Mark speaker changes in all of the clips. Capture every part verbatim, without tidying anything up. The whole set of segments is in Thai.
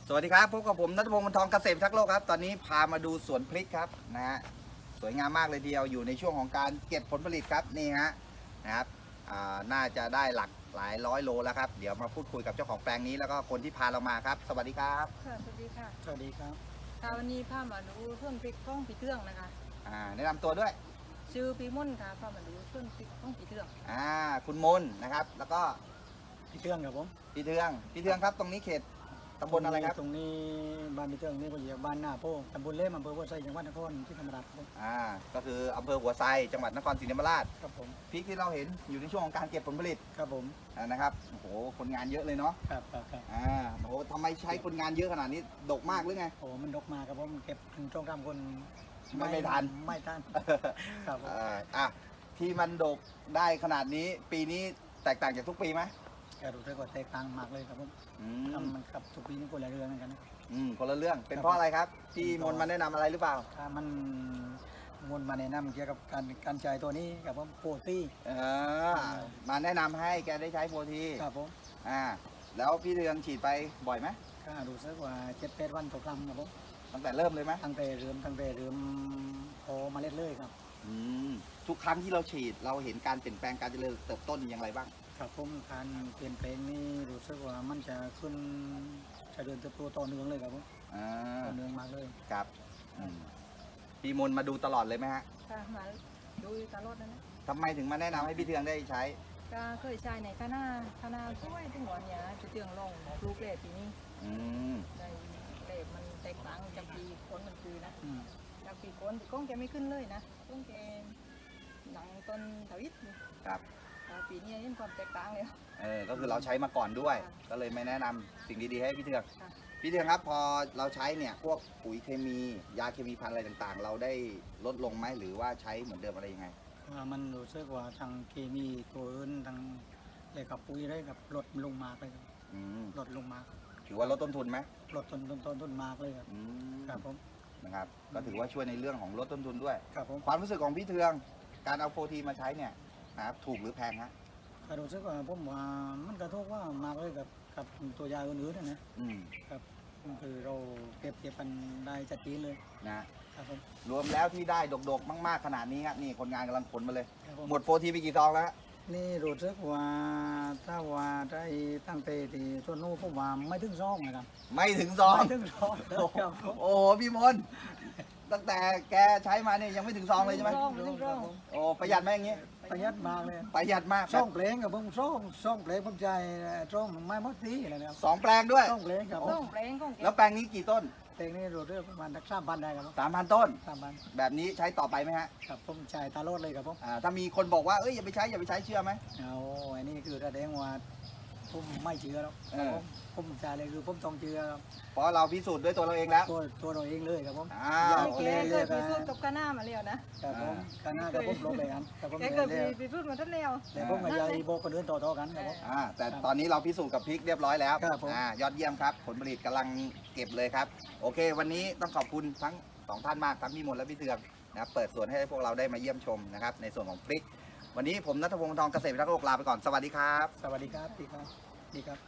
Speaker 1: สวัสดีครับพบกับผมณัฐพงศ์ วรรณทองเกษตรทักษ์โลกครับตอนนี้พามาดูสวนพริกครับนะฮะสวยงามมากเลยทีเดียวอยู่ในช่วงของการเก็บผลผลิตครับนี่ฮะนะครับอ่าน่าจะได้หลักหลายร้อยโลแล้วครับเดี๋ยวมาพูดคุยกับเจ้าของแปลงนี้แล้วก็คนที่พาเรามาครับสวัสดีครับ
Speaker 2: ค่ะสวัสดีค่ะ
Speaker 3: สวัสดีครับ
Speaker 2: ค่ะวันนี้พามาดูต้นพริกข้องปีเทืองนะคะ
Speaker 1: อ่าแนะนำตัวด้วย
Speaker 2: ชื่อปีมุ่นค่ะพามาดูต้นพริกข้องปีเทือง
Speaker 1: อ่าคุณมนนะครับแล้วก็
Speaker 3: พี่เทืองครับผม
Speaker 1: พี่เทืองพี่เทืองครับตรงนี้เขตตำบลอะไรครับ
Speaker 3: ตรงนี้บ้านพี่เทืองนี่ก็อยู่บ้านหน้าโพตำบลเล่มอำเภอวัวไซจังหวัดนครที่ธรรมราชครับผม
Speaker 1: อ่าก็คืออำเภอหัวไซจังหวัดนครศรีธรรมราช
Speaker 3: ครับผม
Speaker 1: พริกที่เราเห็นอยู่ในช่วงของการเก็บผลผลิต
Speaker 3: ครับผม
Speaker 1: อ่านะครับโอ้โหคนงานเยอะเลยเนาะ
Speaker 3: ครับครับครับ
Speaker 1: อ่าโอ้โหทำไมใช้คนงานเยอะขนาดนี้ดกมากหรือไง
Speaker 3: โอ้มันดกมาครับผมเก็บอันช่องทำคน
Speaker 1: ไม่ไม่ทัน
Speaker 3: ไม่ทันครับผม
Speaker 1: อ่าอ่ะที่มันดกได้ขนาดนี้ปีนี้แตกต่างจากทุกปีไหม
Speaker 3: แกรู้สึกว่าแตกต่างมากเลยครับผม
Speaker 1: อืม
Speaker 3: ทำมันครับทุกปีนี่คนละเรื่องเหมือนกันนะ
Speaker 1: อืมคนละเรื่องเป็นเพราะอะไรครับที่มนต์มาแนะนำอะไรหรือเปล่า
Speaker 3: ถ้ามันวนมาแนะนำเกี่ยวกับการการใช้ตัวนี้กับผมโปรตี
Speaker 1: เออมาแนะนำให้แกได้ใช้โปรที
Speaker 3: ครับผม
Speaker 1: อ่าแล้วพี่เรืองฉีดไปบ่อยไหม
Speaker 3: ก็รู้สึกว่าเจ็ดแปดวันต่อครั้งครับผม
Speaker 1: ตั้งแต่เริ่มเลยไหม
Speaker 3: ตั้งแต่เริ่มตั้งแต่เริ่มพอเมาเล็ดเลยครับ
Speaker 1: อืมทุกครั้งที่เราฉีดเราเห็นการเปลี่ยนแปลงการเจริญเติบโตอย่างไรบ้าง
Speaker 3: ครับผมการเปลี่ยนแปลงนี่รู้สึกว่ามันจะขึ้นจะเดินเติบโตต่อเนื่องเลยครับผม
Speaker 1: อ่า
Speaker 3: ต่อเนื่องมากเลย
Speaker 1: ครับอืมพี่มนต์มาดูตลอดเลยไหมฮะ
Speaker 2: ค่ะมาดูตลอดนะนะ
Speaker 1: ทำไมถึงมาแนะนำให้พี่เทืองได้ใช้
Speaker 2: ก็เคยใช้ในคณะคณะช่วยที่หัวเนี่ยจะเตืองลงปลูกเล็ปีนี้
Speaker 1: อืม
Speaker 2: ได้เล็มันแตกต่างจากปีคนมันคือนะ
Speaker 3: อืม
Speaker 2: จากปีคนก้องแกไม่ขึ้นเลยนะก้องแกหนังต้นทวิต
Speaker 1: ครับ
Speaker 2: แต่ปีนี้เห็นความแตกต่างเลย
Speaker 1: เออก็คือเราใช้มาก่อนด้วย
Speaker 2: ค่ะ
Speaker 1: ก็เลยไม่แนะนำสิ่งดีๆให้พี่เทือง
Speaker 2: ค่ะ
Speaker 1: พี่เทืองครับพอเราใช้เนี่ยพวกปุ๋ยเคมียาเคมีพันธุ์อะไรต่างๆ เราได้ลดลงไหมหรือว่าใช้เหมือนเดิมอะไรยังไง
Speaker 3: ว่ามันรู้สึกว่าทางเคมีตัวอื่นทางอะไรกับปุ๋ยอะไรกับลดลงมากเลยครับ
Speaker 1: อืม
Speaker 3: ลดลงมาก
Speaker 1: ถือว่าลดต้นทุนไหม
Speaker 3: ลดต้นต้นต้นต้นมากเลยครับ
Speaker 1: อืม
Speaker 3: ครับผม
Speaker 1: นะครับก็ถือว่าช่วยในเรื่องของลดต้นทุนด้วย
Speaker 3: ครับผม
Speaker 1: ความรู้สึกของพี่เทืองการเอาโฟทีมาใช้เนี่ยนะครับถูกหรือแพงฮะ
Speaker 3: ก็รู้สึกว่าผมว่ามันกระทบว่ามากเลยกับกับตัวยาอื่นๆนะนะ
Speaker 1: อืม
Speaker 3: ครับคือเราเก็บเก็บกันได้จัดจีนเลย
Speaker 1: นะครับ
Speaker 3: ผม
Speaker 1: รวมแล้วที่ได้ดกๆมากๆขนาดนี้ครับนี่คนงานกำลังขนมาเลย
Speaker 3: ครับผม
Speaker 1: หมดโฟทีไปกี่ซองแล้วฮะ
Speaker 3: นี่รู้สึกว่าถ้าว่าได้ตั้งแต่ที่ส่วนนู้นผมว่าไม่ถึงซองนะครับ
Speaker 1: ไม่ถึงซอง
Speaker 3: ไม่ถึงซอง
Speaker 1: โอ้โห
Speaker 3: ครับผม
Speaker 1: โอ้โหพี่มนต์ตั้งแต่แกใช้มาเนี่ยยังไม่ถึงซองเลยใช่ไหม
Speaker 2: ร่องไม่ต้องร่อง
Speaker 1: โอ้ประหยัดไหมอย่างงี้
Speaker 3: ประหยัดมากเลย
Speaker 1: ประหยัดมากค
Speaker 3: ซ่
Speaker 1: รั
Speaker 3: อบ งเพลงกับผมซ่องซ่องเพลงผมใจซ่องไม่หมดทีอะไรนะครับ
Speaker 1: สองแปลงด้วย
Speaker 3: ซ่องเพลงครับผ
Speaker 2: ร่อ
Speaker 3: ม
Speaker 2: งแปลงก้องแก
Speaker 1: แล้วแปลงนี้กี่ต้น
Speaker 3: เพลงนี้รู้เรื่องประมาณสักสามพันได้ครับผม
Speaker 1: สามพันต้น
Speaker 3: สามพัน
Speaker 1: แบบนี้ใช้ต่อไปไหมฮะ
Speaker 3: ครับผมใจตาโลดเลยครับผม
Speaker 1: อ่าถ้ามีคนบอกว่าเอ้ยอย่าไปใช้อย่าไปใช้เชื่อไหม
Speaker 3: เอาอันนี้คือแสดงว่าผมไม่เชื่อแล้ว
Speaker 1: เออ
Speaker 3: ผมผมใจเลยคือผมต้องเชื่อครับ
Speaker 1: เพราะเราพิสูจน์ด้วยตัวเราเองแล้ว
Speaker 3: ตัวตัวเราเองเลยครับผม
Speaker 1: อ้าว
Speaker 2: แกเคยพิสูจน์กับคณะมาแล้วนะครับ
Speaker 3: ผมคณะกับผมลงเลยครับกับผม
Speaker 2: แก
Speaker 3: เลย
Speaker 2: เคย
Speaker 3: แล้ว
Speaker 2: พิสูจน์มาทั้งแล้ว
Speaker 3: แต่ผมกับยายโบกคนอื่นต่อๆกันครับผม
Speaker 1: อ่าแต่ตอนนี้เราพิสูจน์กับพริกเรียบร้อยแล้ว
Speaker 3: ครับผม
Speaker 1: อ่ายอดเยี่ยมครับ ผลผลิตกำลังเก็บเลยครับ โอเค วันนี้ต้องขอบคุณทั้งสองท่านมากทั้งพี่มนต์และพี่เทืองนะครับเปิดสวนให้พวกเราได้มาเยี่ยมชมนะครับในส่วนของพริก วันนี้ผมณัฐพงศ์ วรรณทองเกษตรพิทักษ์โลกลาไปก่อนสวัสดีครับ
Speaker 3: สวัสดีครับพี่ครับดีครับ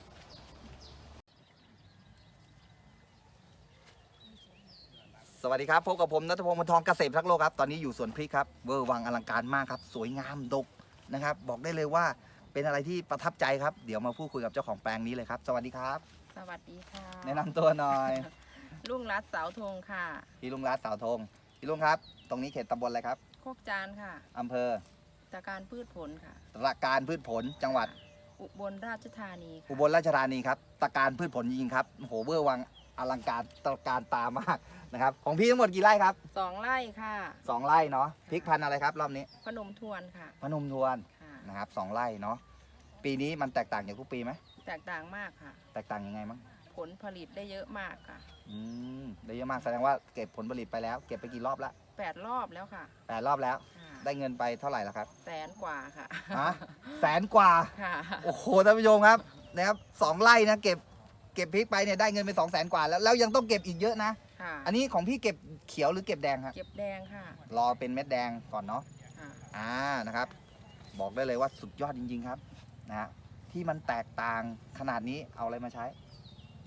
Speaker 1: สวัสดีครับพบกับผมณัฐพงศ์ วรรณทองเกษตรพิทักษ์โลกครับตอนนี้อยู่สวนพริกครับเวอร์วังอลังการมากครับสวยงามดกนะครับบอกได้เลยว่าเป็นอะไรที่ประทับใจครับเดี๋ยวมาพูดคุยกับเจ้าของแปลงนี้เลยครับสวัสดีครับ
Speaker 2: สวัสดีค่ะ
Speaker 1: แนะนำตัวหน่อย
Speaker 2: ลุงรัตเสาธงค่ะ
Speaker 1: พี่ลุงรัตน์สาวธงพี่ลุงครับ ตรงนี้เขตตำบลอะไรครับ
Speaker 2: โคกจานค่ะ
Speaker 1: อำเภอ
Speaker 2: จากการพืชผลค่ะ
Speaker 1: ตะการพืชผลจังหวัด
Speaker 2: อุบลราชธานีค่ะ
Speaker 1: อุบลราชธานีครับตะการพืชผลจริงๆครับโอ้โหเวอร์วังอลังการตระการตามากนะครับของพี่ทั้งหมดกี่ไร่ครับ
Speaker 2: สองไร่ค่ะ
Speaker 1: สองไร่เนาะพริกพันธุ์อะไรครับรอบนี้
Speaker 2: พนมทวนค่ะ
Speaker 1: พนมทวน
Speaker 2: ค่ะ
Speaker 1: นะครับสองไร่เนาะปีนี้มันแตกต่างจากทุกปีไหม
Speaker 2: แตกต่างมากค่ะ
Speaker 1: แตกต่างยังไงมั้ง
Speaker 2: ผลผลิตได้เยอะมากค่ะ
Speaker 1: อืมได้เยอะมากแสดงว่าเก็บผลผลิตไปแล้ว เก็บไปกี่รอบละ
Speaker 2: แปดรอบแล้วค่ะ
Speaker 1: แปดรอบแล้ว
Speaker 2: ค่ะ
Speaker 1: ได้เงินไปเท่าไหร่แล้วครับ
Speaker 2: แสนกว่าค่ะ
Speaker 1: ฮะแสนกว่า
Speaker 2: ค่ะ
Speaker 1: โอ้โหท่านผู้ชมครับนะครับสองไร่นะเก็บเก็บพริกไปเนี่ยได้เงินไปสองแสนกว่าแล้วแล้วยังต้องเก็บอีกเยอะนะ
Speaker 2: ค่ะ
Speaker 1: อันนี้ของพี่เก็บเขียวหรือเก็บแดงครับ
Speaker 2: เก็บแดงค่ะ
Speaker 1: รอเป็นเม็ดแดงก่อนเนาะ
Speaker 2: ค่ะ
Speaker 1: อ่านะครับ บอกได้เลยว่าสุดยอดจริง ๆครับนะฮะที่มันแตกต่างขนาดนี้เอาอะไรมาใช้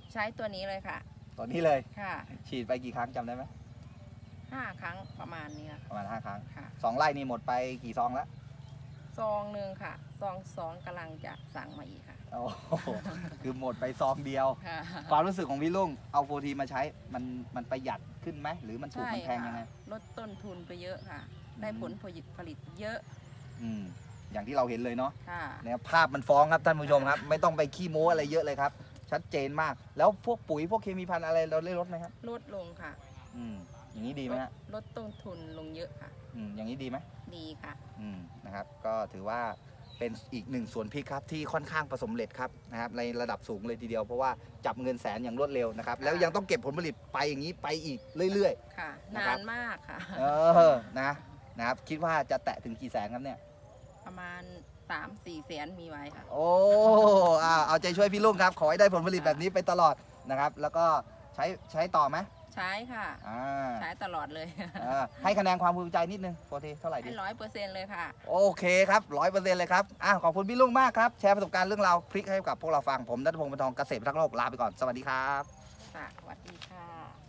Speaker 2: ใช้ตัวนี้เลยค่ะ
Speaker 1: ตัวนี้เลย
Speaker 2: ค่ะ
Speaker 1: ฉีดไปกี่ครั้งจำได้ไหม
Speaker 2: ห้าครั้งประมาณนี้ค่ะ
Speaker 1: ประมาณห้าครั้ง
Speaker 2: ค่ะ
Speaker 1: สองไร่นี่หมดไปกี่ซองแล้ว
Speaker 2: ซองหนึ่งค่ะ ซองสองกำลังจะสั่งมาอีกค่ะ
Speaker 1: โอ้โห คือหมดไปซองเดียว
Speaker 2: ค่ะ
Speaker 1: ความรู้สึกของพี่ลุงเอาโฟทีมาใช้มันมันประหยัดขึ้นไหมหรือมันถูก
Speaker 2: ใช่
Speaker 1: มันแพงยังไง
Speaker 2: ค่ะลดต้นทุนไปเยอะค่ะ ได้
Speaker 1: อืม
Speaker 2: ผลผลิตผลิตเยอะ
Speaker 1: อืมอย่างที่เราเห็นเลยเนาะ
Speaker 2: ค่ะ
Speaker 1: นะครับภาพมันฟ้องครับท่านผู้ชมครับ ไม่ต้องไปขี้โม้อะไรเยอะเลยครับ ชัดเจนมาก แล้วพวกปุ๋ยพวกเคมีพันธุ์อะไรเราได้ลดไหมครับ
Speaker 2: ลดลงค่ะ
Speaker 1: อืมอย่างนี้ดีไหมฮะ
Speaker 2: ลดต้นทุนลงเยอะค่ะ
Speaker 1: อืมอย่างนี้ดีไหม
Speaker 2: ดีค่ะ
Speaker 1: อืมนะครับ ก็ถือว่าเป็นอีกหนึ่งสวนพริกครับที่ค่อนข้างประสบความสำเร็จครับนะครับในระดับสูงเลยทีเดียวเพราะว่าจับเงินแสนอย่างรวดเร็วนะครับแล้วยังต้องเก็บผลผลิตไปอย่างนี้ไปอีกเรื่อย
Speaker 2: ค่ะ
Speaker 1: นะ
Speaker 2: นา
Speaker 1: ครับ
Speaker 2: นมากค่ะ
Speaker 1: ๆ เออนะนะครับคิดว่าจะแตะถึงกี่แสนครับเนี่ย
Speaker 2: ประมาณสามสี่แสนมีไว้ค่ะ
Speaker 1: โอ้อ่าเอาใจช่วยพี่ลุงครับ ขอให้ได้ผลผลิตแบบนี้ไปตลอดนะครับ แล้วก็ใช้ใช้ต่อไหม
Speaker 2: ใช้ค่ะ
Speaker 1: อ่า
Speaker 2: ใช้ตลอดเลย
Speaker 1: อ่าให้คะแนนความภูมิใจนิดนึงโฟทีเท่าไหร่ดี
Speaker 2: ให้ร้อยเปอร์เซ็นต์เลยค่ะ
Speaker 1: โอเคครับร้อยเปอร์เซ็นต์เลยครับอ่ะขอบคุณพี่ลุงมากครับ แชร์ประสบการณ์เรื่องราวพริกให้กับพวกเราฟัง ผมนัทพงศ์ปานทองเกษตรพัฒนโลกลาไปก่อน สวัสดีครับ
Speaker 2: ค่ะสวัสดีค่ะ